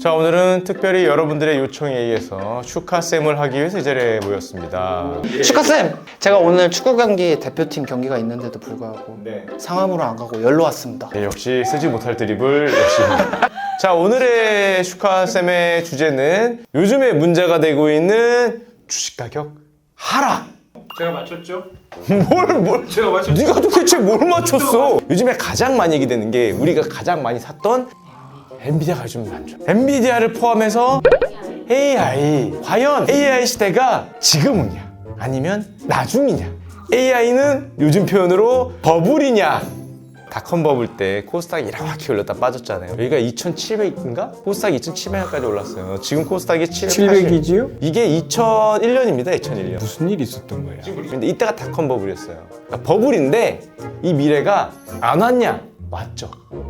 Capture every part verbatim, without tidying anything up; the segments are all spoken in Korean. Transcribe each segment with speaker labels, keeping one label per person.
Speaker 1: 자, 오늘은 특별히 여러분들의 요청에 의해서 축하쌤을 하기 위해서 이 자리에 모였습니다.
Speaker 2: 축하쌤! 제가 오늘 축구 경기 대표팀 경기가 있는데도 불구하고
Speaker 1: 네.
Speaker 2: 상암으로 안 가고 열로 왔습니다.
Speaker 1: 네, 역시 쓰지 못할 드립을 역시. 자, 오늘의 슈카쌤의 주제는 요즘에 문제가 되고 있는 주식 가격 하락.
Speaker 3: 제가 맞췄죠?
Speaker 1: 뭘, 뭘.
Speaker 3: 제가 맞췄죠?
Speaker 1: 네가 도대체 뭘 맞췄어? 요즘에 가장 많이 얘기되는 게 우리가 가장 많이 샀던 엔비디아가 요즘 안 좋아. 엔비디아를 포함해서 에이아이. 과연 에이아이 시대가 지금이냐? 아니면 나중이냐? 에이아이는 요즘 표현으로 버블이냐? 닷컴 버블 때 코스닥이 이렇게 올렸다 빠졌잖아요. 여기가 이천칠백인가? 코스닥이 이천칠백까지 올랐어요. 지금 코스닥이 칠백팔십.
Speaker 3: 칠백이지요?
Speaker 1: 이게 이천일 년입니다. 이천일 년.
Speaker 3: 무슨 일이 있었던 거야?
Speaker 1: 근데 이때가 닷컴 버블이었어요. 그러니까 버블인데 이 미래가 안 왔냐? 왔죠.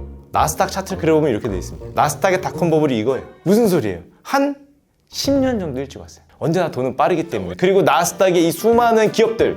Speaker 1: 나스닥 차트를 그려보면 이렇게 돼 있습니다. 나스닥의 닷컴 버블이 이거예요. 무슨 소리예요? 한 십 년 정도 일찍 왔어요. 언제나 돈은 빠르기 때문에. 그리고 나스닥의 이 수많은 기업들,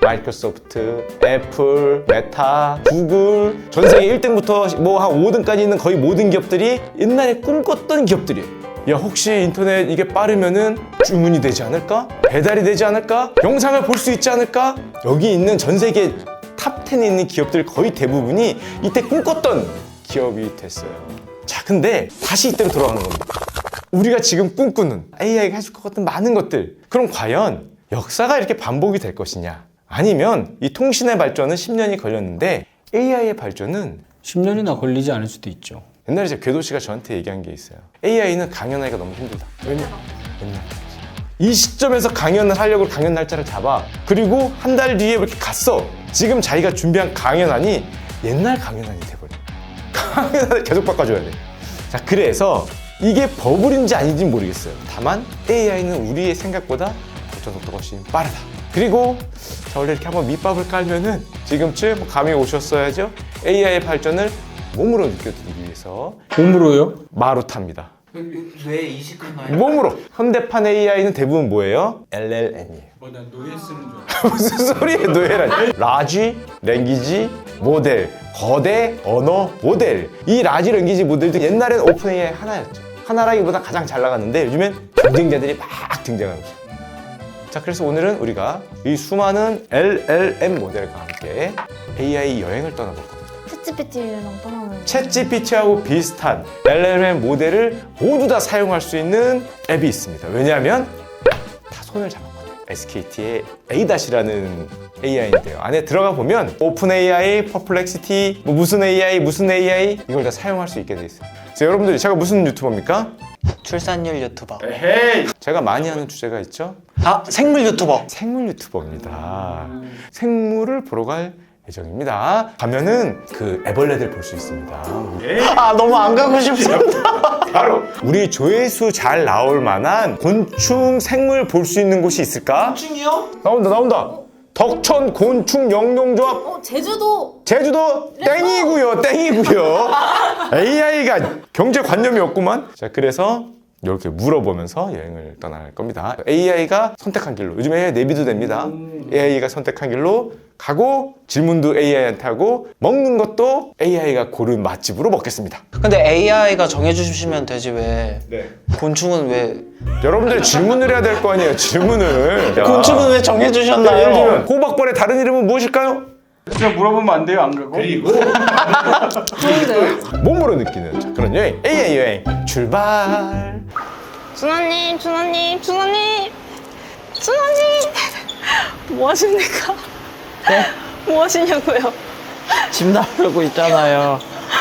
Speaker 1: 마이크로소프트, 애플, 메타, 구글, 전 세계 일 등부터 뭐 한 오 등까지 있는 거의 모든 기업들이 옛날에 꿈꿨던 기업들이에요. 야, 혹시 인터넷 이게 빠르면은 주문이 되지 않을까? 배달이 되지 않을까? 영상을 볼 수 있지 않을까? 여기 있는 전 세계 탑 텐에 있는 기업들 거의 대부분이 이때 꿈꿨던 기업이 됐어요. 자, 근데 다시 이때로 돌아가는 겁니다. 우리가 지금 꿈꾸는 에이아이가 해줄 것 같은 많은 것들, 그럼 과연 역사가 이렇게 반복이 될 것이냐? 아니면 이 통신의 발전은 십 년이 걸렸는데 에이아이의 발전은
Speaker 3: 십 년이나 걸리지 않을 수도 있죠.
Speaker 1: 옛날에 제 궤도 씨가 저한테 얘기한 게 있어요. 에이아이는 강연하기가 너무 힘들다. 왜냐? 맨날 이 시점에서 강연을 하려고 강연 날짜를 잡아. 그리고 한 달 뒤에 이렇게 갔어. 지금 자기가 준비한 강연안이 옛날 강연안이 돼버려. 강연안을 계속 바꿔줘야 돼. 자, 그래서 이게 버블인지 아닌지 모르겠어요. 다만 에이아이는 우리의 생각보다 발전 속도가 훨씬 빠르다. 그리고 자, 원래 이렇게 한번 밑밥을 깔면은 지금쯤 감이 오셨어야죠. 에이아이의 발전을 몸으로 느껴드리기 위해서
Speaker 3: 몸으로요?
Speaker 1: 마루타입니다.
Speaker 2: 왜 이식하나요?
Speaker 1: 몸으로. 현대판 에이아이는 대부분 뭐예요? 엘엘엠이에요.
Speaker 3: 뭐 난 노예 쓰는 줄 알았어.
Speaker 1: 무슨 소리예요, 노예라니? 라지, 랭귀지, 모델, 거대 언어 모델. 이 라지, 랭귀지 모델도 옛날엔 오픈 에이아이 하나였죠. 하나라기보다 가장 잘 나갔는데 요즘엔 경쟁자들이 막 등장하고 있어요. 자, 그래서 오늘은 우리가 이 수많은 엘엘엠 모델과 함께 에이아이 여행을 떠나볼 겁니다.
Speaker 4: 챗지피티랑 떠나는
Speaker 1: 챗지피티하고 비슷한 엘엘엠 모델을 모두 다 사용할 수 있는 앱이 있습니다. 왜냐하면 다 손을 잡았거든요. 에스케이티의 에이닷이라는 에이아이인데요. 안에 들어가 보면 오픈 에이아이, 퍼플렉시티, 뭐 무슨 에이아이, 무슨 에이아이 이걸 다 사용할 수 있게 돼 있어요. 자, 여러분들, 제가 무슨 유튜버입니까?
Speaker 2: 출산율 유튜버.
Speaker 1: 에헤이. 제가 많이 하는 주제가 있죠.
Speaker 2: 아, 생물 유튜버.
Speaker 1: 생물 유튜버입니다. 생물을 보러 갈 예정입니다. 가면은 그 애벌레들 볼 수 있습니다.
Speaker 2: 아, 너무 안 가고 싶습니다.
Speaker 1: 바로 우리 조회수 잘 나올 만한 곤충 생물 볼 수 있는 곳이 있을까?
Speaker 2: 곤충이요?
Speaker 1: 나온다, 나온다. 덕천 곤충 영농조합
Speaker 4: 어, 제주도
Speaker 1: 제주도 땡이고요, 땡이고요. 에이아이가 경제관념이 없구만. 자, 그래서 이렇게 물어보면서 여행을 떠날 겁니다. 에이아이가 선택한 길로, 요즘 에이아이 내비도 됩니다. 에이아이가 선택한 길로 가고 질문도 에이아이한테 하고 먹는 것도 에이아이가 고른 맛집으로 먹겠습니다.
Speaker 2: 근데 에이아이가 정해주시면 되지 왜
Speaker 1: 네.
Speaker 2: 곤충은 왜
Speaker 1: 여러분들이 질문을 해야 될 거 아니에요, 질문을. 야.
Speaker 2: 곤충은 왜
Speaker 1: 예를
Speaker 2: 정해주셨나요?
Speaker 1: 들면 호박벌의 다른 이름은 무엇일까요?
Speaker 3: 그냥 물어보면 안 돼요, 안 가고?
Speaker 1: 그리고
Speaker 4: 좋은데요?
Speaker 1: 몸으로 느끼는 자, 그런 여행, 에이아이 여행 출발.
Speaker 4: 준호님, 준호님, 준호님, 준호님, 뭐 하십니까?
Speaker 2: 네?
Speaker 4: 뭐 하시냐고요?
Speaker 2: 짐 나르고 있잖아요.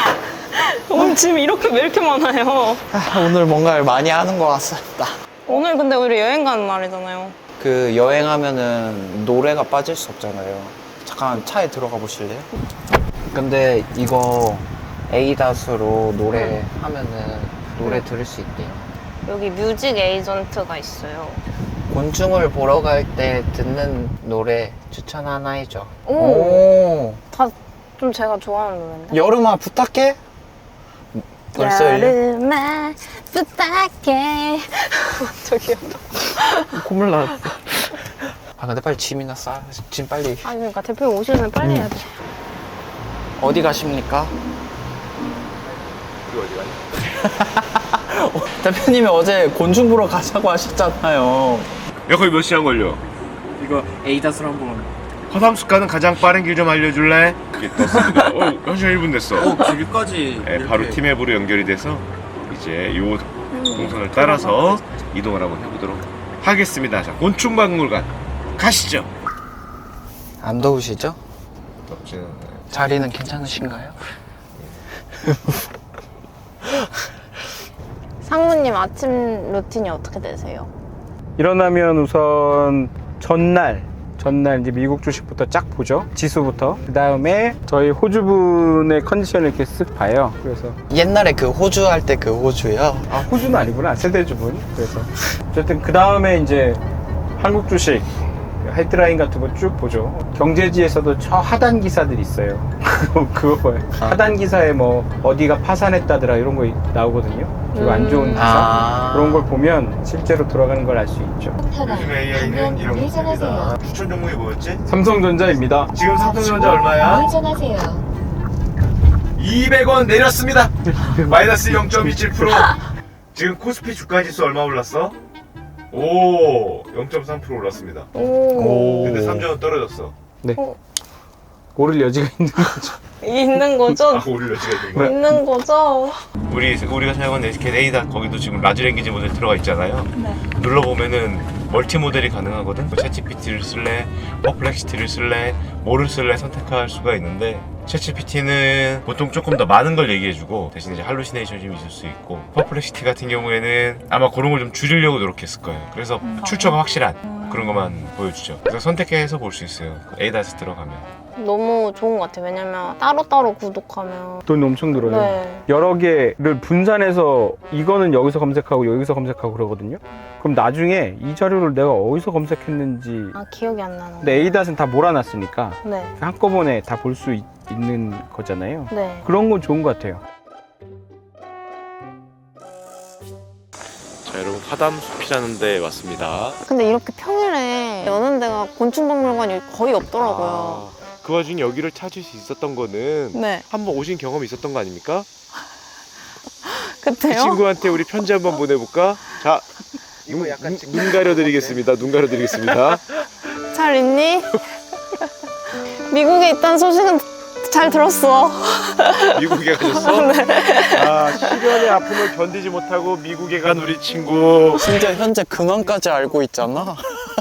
Speaker 4: 오늘 짐 이렇게 왜 이렇게 많아요?
Speaker 2: 아, 오늘 뭔가를 많이 하는 것 같습니다.
Speaker 4: 오늘 근데 우리 여행 가는 날이잖아요.
Speaker 2: 그 여행하면은 노래가 빠질 수 없잖아요. 잠깐 차에 들어가 보실래요? 근데 이거 에이닷으로 노래 하면은 노래 들을 수 있대요.
Speaker 4: 여기 뮤직 에이전트가 있어요.
Speaker 2: 곤충을 보러 갈 때 듣는 노래 추천 하나 해줘.
Speaker 4: 오.
Speaker 2: 오.
Speaker 4: 다 좀 제가 좋아하는 노래인데.
Speaker 2: 여름아 부탁해. 벌써
Speaker 4: 여름아 부탁해. 저기요.
Speaker 2: 콧물 나왔어. 아 근데 빨리 짐이나 싸. 짐 빨리.
Speaker 4: 아니 그러니까 대표 오시면 빨리 해야 돼.
Speaker 2: 어디 가십니까?
Speaker 1: 이거 어디 가냐?
Speaker 2: 대표님이 어제 곤충 보러 가자고 하셨잖아요.
Speaker 5: 야 거기 몇 시간 걸려?
Speaker 3: 이거 에이다스로 한번.
Speaker 5: 허담수 가는 가장 빠른 길 좀 알려줄래? 그게 떴습니다. 어, 한 시간 일 분 됐어.
Speaker 3: 길까지.
Speaker 5: 네, 바로 팀앱으로 연결이 돼서 이제 요 동선을 따라서 이동을 한번 해보도록 하겠습니다. 자, 곤충박물관 가시죠.
Speaker 2: 안 더우시죠?
Speaker 5: 덥지는 않아요.
Speaker 2: 자리는 괜찮으신가요?
Speaker 6: 상무님 아침 루틴이 어떻게 되세요?
Speaker 3: 일어나면 우선 전날 전날 이제 미국 주식부터 쫙 보죠. 지수부터. 그 다음에 저희 호주분의 컨디션을 이렇게 쓱 봐요. 그래서
Speaker 2: 옛날에 그 호주 할 때 그 호주요.
Speaker 3: 아 호주는 아니구나, 세대주분. 그래서 어쨌든 그 다음에 이제 한국 주식 헤드라인 같은 거 쭉 보죠. 경제지에서도 저 하단 기사들이 있어요. 그거 그거 봐요. 하단 기사에 뭐 어디가 파산했다더라 이런 거 나오거든요. 그리고 안 좋은 기사
Speaker 2: 아.
Speaker 3: 그런 걸 보면 실제로 돌아가는 걸 알 수 있죠.
Speaker 5: 요즘 에이아이는 이런 것입니다. 추천 종목이 뭐였지?
Speaker 3: 삼성전자입니다.
Speaker 5: 지금 삼성전자 얼마야?
Speaker 7: 우회전하세요.
Speaker 5: 이백 원 내렸습니다. 마이너스 영 점 이칠 퍼센트. 지금 코스피 주가지수 얼마 올랐어? 오, 영 점 삼 퍼센트 올랐습니다.
Speaker 6: 오,
Speaker 5: 근데 삼천 원 떨어졌어.
Speaker 3: 네. 오를 여지가 있는 거죠.
Speaker 6: 있는 거죠?
Speaker 5: 아, 오를 여지가 있는 거야?
Speaker 6: 있는 거죠?
Speaker 5: 우리 우리가 사용하는 에스케이 에이다 거기도 지금 라지 랭귀지 모델 들어가 있잖아요. 눌러 보면은 멀티 모델이 가능하거든. 챗지피티를 쓸래, 퍼플렉시티를 쓸래, 뭐를 쓸래 선택할 수가 있는데 챗지피티는 보통 조금 더 많은 걸 얘기해주고 대신 이제 할루시네이션이 좀 있을 수 있고 퍼플렉시티 같은 경우에는 아마 그런 걸 좀 줄이려고 노력했을 거예요. 그래서 출처가 확실한 그런 것만 보여주죠. 그래서 선택해서 볼 수 있어요. 에이다스 들어가면.
Speaker 6: 너무 좋은 것 같아요. 왜냐면 따로따로 구독하면
Speaker 3: 돈 엄청 들어요.
Speaker 6: 네.
Speaker 3: 여러 개를 분산해서 이거는 여기서 검색하고 여기서 검색하고 그러거든요. 그럼 나중에 이 자료를 내가 어디서 검색했는지.
Speaker 6: 아 기억이 안 나는
Speaker 3: 근데 에이닷은 다 몰아놨으니까
Speaker 6: 네.
Speaker 3: 한꺼번에 다 볼 수 있는 거잖아요.
Speaker 6: 네.
Speaker 3: 그런 건 좋은 것 같아요.
Speaker 5: 자, 여러분 화담숲이라는 데 왔습니다.
Speaker 6: 근데 이렇게 평일에 여는 데가 곤충박물관이 거의 없더라고요.
Speaker 5: 아, 그 와중에 여기를 찾을 수 있었던 거는
Speaker 6: 네.
Speaker 5: 한번 오신 경험이 있었던 거 아닙니까? 그
Speaker 6: 그때요?
Speaker 5: 친구한테 우리 편지 한번 보내볼까? 자, 눈, 눈, 눈 가려드리겠습니다. 눈 가려드리겠습니다.
Speaker 6: 잘 있니? 미국에 있다는 소식은 잘 들었어.
Speaker 5: 미국에 가셨어? 아, 시련의 아픔을 견디지 못하고 미국에 간 우리 친구.
Speaker 2: 심지어 현재 근황까지 알고 있잖아.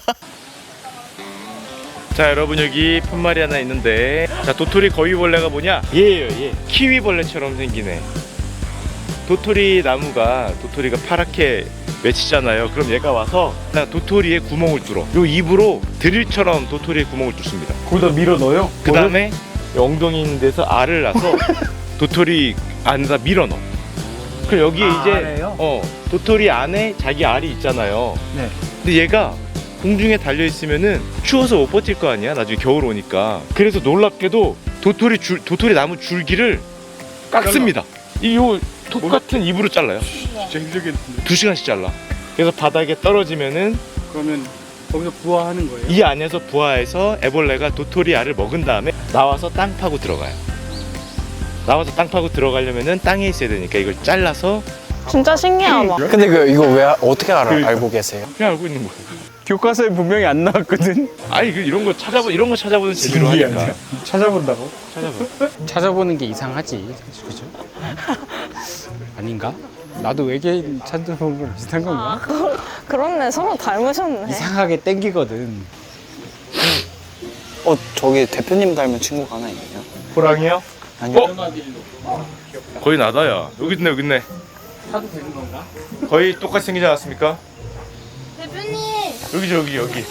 Speaker 5: 자, 여러분 여기 푯말이 하나 있는데, 자, 도토리 거위벌레가 뭐냐? 얘예요, 얘. 키위벌레처럼 생기네. 도토리 나무가 도토리가 파랗게 맺히잖아요. 그럼 얘가 와서 그냥 도토리에 구멍을 뚫어. 요 입으로 드릴처럼 도토리에 구멍을 뚫습니다.
Speaker 3: 거기다 밀어 넣어요?
Speaker 5: 그 다음에 엉덩이 있는 데서 알을 낳아서 도토리 안에다 밀어 넣어. 그럼 여기에
Speaker 3: 아,
Speaker 5: 이제
Speaker 3: 알에요?
Speaker 5: 어 도토리 안에 자기 알이 있잖아요.
Speaker 3: 네.
Speaker 5: 근데 얘가 공중에 달려 있으면은 추워서 못 버틸 거 아니야. 나중에 겨울 오니까. 그래서 놀랍게도 도토리 줄 도토리 나무 줄기를 깎습니다. 이요 똑같은 입으로 잘라요.
Speaker 3: 진짜 힘들겠는데.
Speaker 5: 두 시간씩 잘라. 그래서 바닥에 떨어지면은
Speaker 3: 그러면 거기서 부화하는 거예요?
Speaker 5: 이 안에서 부화해서 애벌레가 도토리 알을 먹은 다음에 나와서 땅 파고 들어가요. 나와서 땅 파고 들어가려면은 땅에 있어야 되니까 이걸 잘라서
Speaker 6: 진짜 신기하다.
Speaker 2: 근데 그 이거 왜 아- 어떻게 알아, 알고 계세요?
Speaker 5: 그냥 알고 있는 거예요.
Speaker 3: 교과서에 분명히 안 나왔거든.
Speaker 5: 아니 그 이런 거 찾아보 이런 거 찾아보는 재미로 하니까.
Speaker 3: 찾아본다고?
Speaker 5: 찾아봐.
Speaker 3: 찾아보는 게 이상하지, 그죠? 아닌가? 나도 외계인 찾아보는 거랑 비슷한 건가?
Speaker 6: 그렇네. 서로 닮으셨네.
Speaker 3: 이상하게 땡기거든.
Speaker 2: 어, 저기 대표님 닮은 친구가 하나 있네요.
Speaker 5: 호랑이요?
Speaker 2: 아니요.
Speaker 5: 거의 나다야. 여기 있네 여기 있네.
Speaker 3: 사도 되는 건가?
Speaker 5: 거의 똑같이 생기지 않았습니까?
Speaker 6: 대표님.
Speaker 5: 여기죠 여기 여기.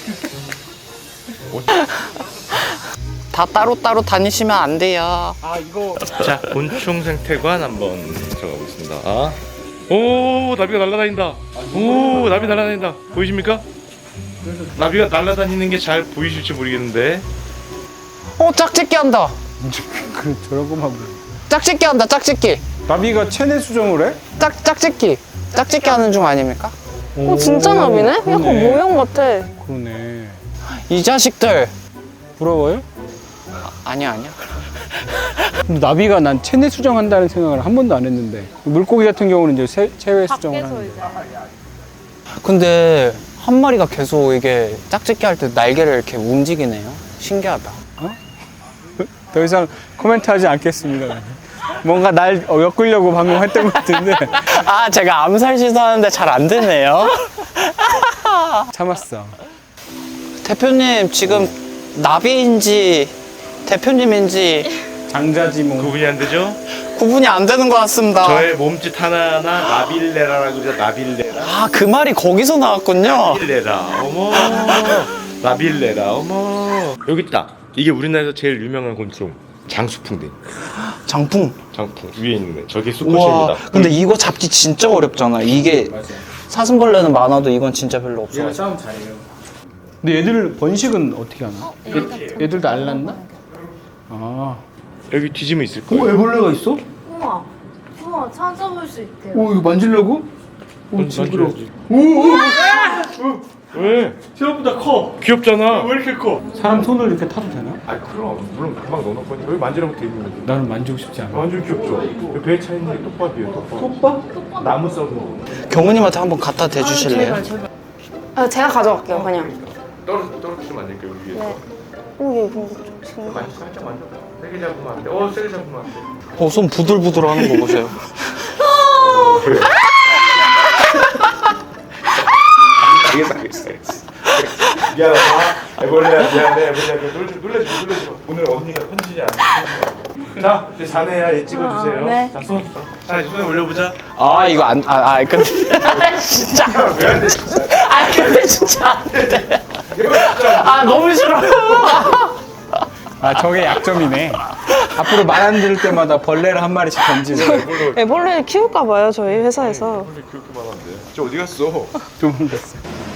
Speaker 2: 다 따로따로 다니시면 안 돼요.
Speaker 3: 아 이거
Speaker 5: 자, 곤충 생태관 한번 들어가 보겠습니다. 오, 나비가 날아다닌다. 오, 나비 날아다닌다. 보이십니까? 나비가 날아다니는 게 잘 보이실지 모르겠는데.
Speaker 2: 어, 짝짓기 한다.
Speaker 3: 그 저런 것만 보여.
Speaker 2: 짝짓기 한다, 짝짓기.
Speaker 3: 나비가 체내 수정을 해?
Speaker 2: 짝, 짝짓기. 짝짓기 하는 중 아닙니까?
Speaker 6: 어 진짜 나비네? 약간
Speaker 3: 그러네.
Speaker 6: 모형 같아.
Speaker 3: 그러네.
Speaker 2: 이 자식들.
Speaker 3: 부러워요?
Speaker 2: 아니야, 아니야.
Speaker 3: 근데 나비가 난 체내 수정한다는 생각을 한 번도 안 했는데 물고기 같은 경우는 이제 세- 체외 수정을
Speaker 6: 밖에서
Speaker 3: 하는데.
Speaker 6: 이제
Speaker 2: 근데 한 마리가 계속 이게 짝짓기 할 때 날개를 이렇게 움직이네요. 신기하다.
Speaker 3: 더 이상 코멘트하지 않겠습니다. 뭔가 날 어, 엮으려고 방금 했던 것 같은데
Speaker 2: 아, 제가 암살 시도하는데 잘 안 되네요.
Speaker 3: 참았어.
Speaker 2: 대표님, 지금 나비인지 대표님인지
Speaker 3: 장자지 뭐.
Speaker 5: 구분이 안 되죠?
Speaker 2: 구분이 안 되는 것 같습니다.
Speaker 5: 저의 몸짓 하나하나 나빌레라라고 그러죠. 나빌레라.
Speaker 2: 아, 그 말이 거기서 나왔군요.
Speaker 5: 나빌레라. 어머. 나빌레라. 어머. 여기 있다. 이게 우리나라에서 제일 유명한 곤충. 장수풍뎅이.
Speaker 2: 장풍.
Speaker 5: 장풍 위에 있는 애. 저게
Speaker 2: 우와,
Speaker 5: 수컷입니다.
Speaker 2: 근데 이거 잡기 진짜 어렵잖아. 이게 사슴벌레는 많아도 이건 진짜 별로 없어.
Speaker 3: 얘가 싸움 잘해요. 근데 얘들 번식은 어떻게 하나? 얘, 얘들도 알랐나? 아.
Speaker 5: 여기 뒤지면 있을 거예요.
Speaker 3: 애벌레가 있어?
Speaker 6: 우와 우와 찾아볼 수 있대요.
Speaker 3: 오, 이거 만지려고? 오, 징그러. 오, 오,
Speaker 5: 왜?
Speaker 3: 생각보다 커.
Speaker 5: 귀엽잖아.
Speaker 3: 왜 이렇게 커? 사람 손을 이렇게 타도 되나?
Speaker 5: 아 그럼 물론 금방 넣어놓을 거니까 여기 만지라고 돼 있는 거지.
Speaker 3: 나는 만지고 싶지 않아.
Speaker 5: 완전 귀엽죠. 여기 배에 차 있는 게 똑밥이에요. 똑밥.
Speaker 3: 오빠?
Speaker 5: 나무 썩은 거.
Speaker 2: 경우님한테 한번 갖다 대주실래요?
Speaker 6: 아, 제가 가져갈게요 그냥.
Speaker 5: 떨어 떨어뜨리면 안 될까요 여기 위에서?
Speaker 6: 오, 얘 이거 좀 지금.
Speaker 5: 만지 살짝 만져. 세게 잡으면 안 돼. 어 세게 잡으면 안 돼.
Speaker 2: 어, 손 부들부들 하는 거 보세요.
Speaker 5: 알겠어 알겠어 알겠어. 미안하다. 애벌레야 미안해. 애벌레야 놀래지 놀래지 놀래지 마. 오늘 언니가 편지지 않아. 자 이제 자네야 얘 찍어주세요.
Speaker 6: 아, 네.
Speaker 5: 자 손. 자 이제 손에 올려보자.
Speaker 2: 아, 이거 안, 아, 아, 근데. 진짜.
Speaker 5: 왜안 돼?
Speaker 2: 아, 근데 진짜 안 돼. 아, 너무 싫어요.
Speaker 3: 아, 저게 약점이네. 앞으로 말 안 들을 때마다 벌레를 한 마리씩 던지는.
Speaker 4: 애벌레 키울까 봐요 저희 회사에서.
Speaker 5: 애벌레 그렇게 많은데. 저 어디 갔어?
Speaker 3: 도망갔어.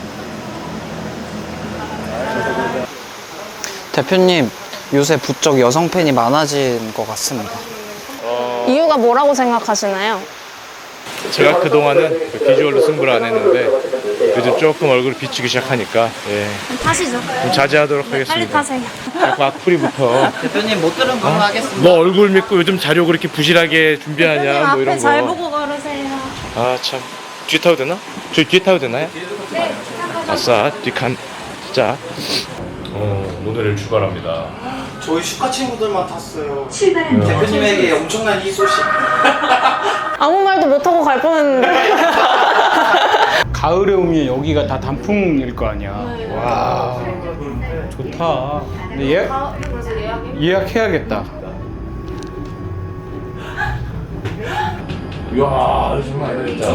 Speaker 2: 대표님, 요새 부쩍 여성 팬이 많아진 것 같습니다.
Speaker 6: 이유가 뭐라고 생각하시나요?
Speaker 5: 제가 그동안은 그 비주얼로 승부를 안 했는데 요즘 조금 얼굴이 비치기 시작하니까 예.
Speaker 6: 타시죠.
Speaker 5: 좀 자제하도록
Speaker 6: 빨리
Speaker 5: 하겠습니다.
Speaker 6: 타세요.
Speaker 5: 자꾸 악플이부터
Speaker 2: 대표님, 못 들은 걸로 하겠습니다.
Speaker 5: 너 얼굴 믿고 요즘 자료 그렇게 부실하게 준비하냐 뭐 이런
Speaker 6: 앞에 잘
Speaker 5: 거.
Speaker 6: 보고 걸으세요.
Speaker 5: 아 참. 뒤에 타도 되나? 저희 뒤에 타도 되나요? 네. 아싸 뒷칸 자. 어 오늘을 출발합니다.
Speaker 2: 저희 슈카 친구들만 탔어요. 대표님에게 엄청난 이 소식.
Speaker 6: 아무 말도 못하고 갈 뻔했는데.
Speaker 3: 가을에 오면 여기가 다 단풍일 거 아니야. 와, 좋다. 근데 예약, 예약해야겠다.
Speaker 5: 이야 정말 진짜.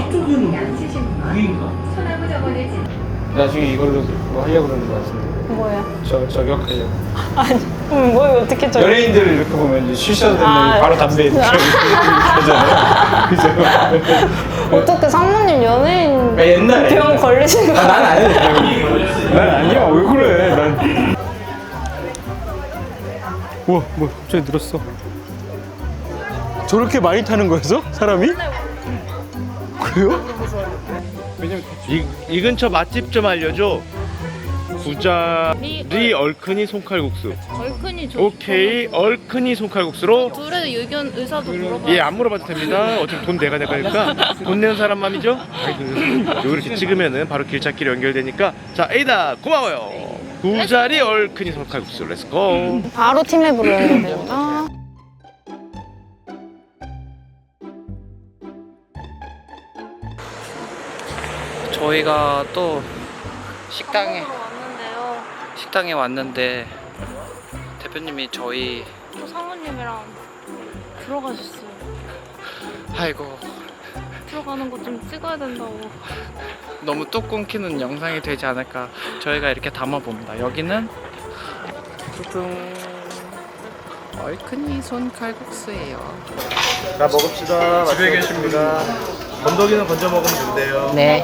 Speaker 3: 나중에 이걸로 뭐 하려고 그러는 거 같은데.
Speaker 6: 뭐예요?
Speaker 3: 저, 저격하려고.
Speaker 4: 음, 뭐 어떻게 저
Speaker 3: 연예인들을 이렇게 보면 이제 쉬셔도 되면
Speaker 6: 아,
Speaker 3: 바로 담배 이렇게 하잖아요. 그죠?
Speaker 6: 어떻게 상무님 연예인
Speaker 3: 아, 옛날에.
Speaker 6: 병 걸리신 거
Speaker 3: 아, 난 아니야. 난 아니야. 왜 그래? 난. 우와, 뭐 갑자기 늘었어. 저렇게 많이 타는 거였어? 사람이? 그래요?
Speaker 5: 이, 이 근처 맛집 좀 알려줘. 부자리 얼큰이 손칼국수.
Speaker 7: 얼큰이 좋
Speaker 5: 오케이 얼큰이 손칼국수로.
Speaker 7: 둘의 의견 의사도 물어봐.
Speaker 5: 예 안 물어봐도 됩니다. 어차피 돈 내가 낼 거니까 돈 내는 사람 맘이죠. 요 이렇게 찍으면은 바로 길찾기로 연결되니까. 자 에이다 고마워요. 부자리 얼큰이 손칼국수 렛츠고.
Speaker 6: 바로 팀앱으로 연결되구나.
Speaker 2: 저희가 또 식당에
Speaker 6: 왔는데요.
Speaker 2: 식당에 왔는데 대표님이 저희
Speaker 6: 또 상무님이랑 들어가셨어요.
Speaker 2: 아이고
Speaker 6: 들어가는 거 좀 찍어야 된다고.
Speaker 2: 너무 뚝 끊기는 영상이 되지 않을까. 저희가 이렇게 담아봅니다. 여기는 뚜둥 얼큰이 손 칼국수예요.
Speaker 5: 자 먹읍시다. 집에 계십니다. 건더기는 건져 먹으면 된대요.
Speaker 2: 네.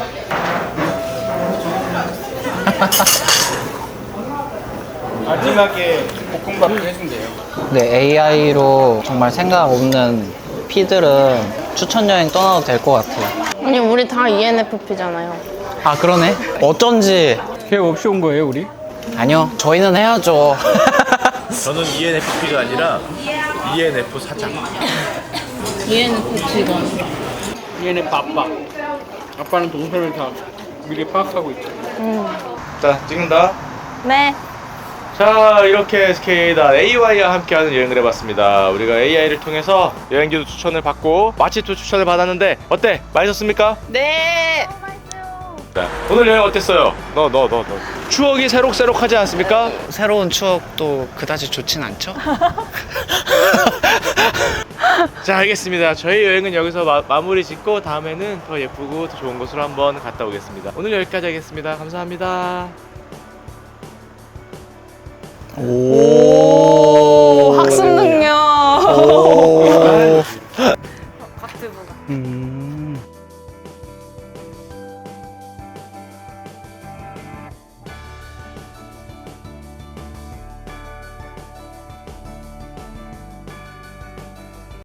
Speaker 3: 마지막에 볶음밥도 해준대요.
Speaker 2: 네, 에이아이로 정말 생각 없는 피들은 추천 여행 떠나도 될 것 같아요.
Speaker 6: 아니 우리 다 이엔에프피잖아요.
Speaker 2: 아, 그러네. 어쩐지.
Speaker 3: 계획 없이 온 거예요, 우리?
Speaker 2: 아니요, 저희는 해야죠.
Speaker 5: 저는 이엔에프피가 아니라 이엔에프 사장.
Speaker 7: 이엔에프 직원.
Speaker 3: 얘는 바빠. 아빠는 동선을 다 미리 파악하고 있죠.
Speaker 5: 자, 찍는다.
Speaker 6: 네.
Speaker 5: 자, 이렇게 에스케이다 에이와이와 함께하는 여행을 해봤습니다. 우리가 에이아이를 통해서 여행지도 추천을 받고 맛집도 추천을 받았는데 어때? 맛있었습니까?
Speaker 6: 네.
Speaker 5: 자, 오늘 여행 어땠어요? 너, 너, 너, 너. 추억이 새록새록하지 않습니까?
Speaker 2: 새로운 추억도 그다지 좋진 않죠?
Speaker 5: 자, 알겠습니다. 저희 여행은 여기서 마, 마무리 짓고 다음에는 더 예쁘고 더 좋은 곳으로 한번 갔다 오겠습니다. 오늘 여기까지 하겠습니다. 감사합니다.
Speaker 6: 오, 학습 능력.
Speaker 2: 오.
Speaker 6: 각튜브가.
Speaker 2: 음.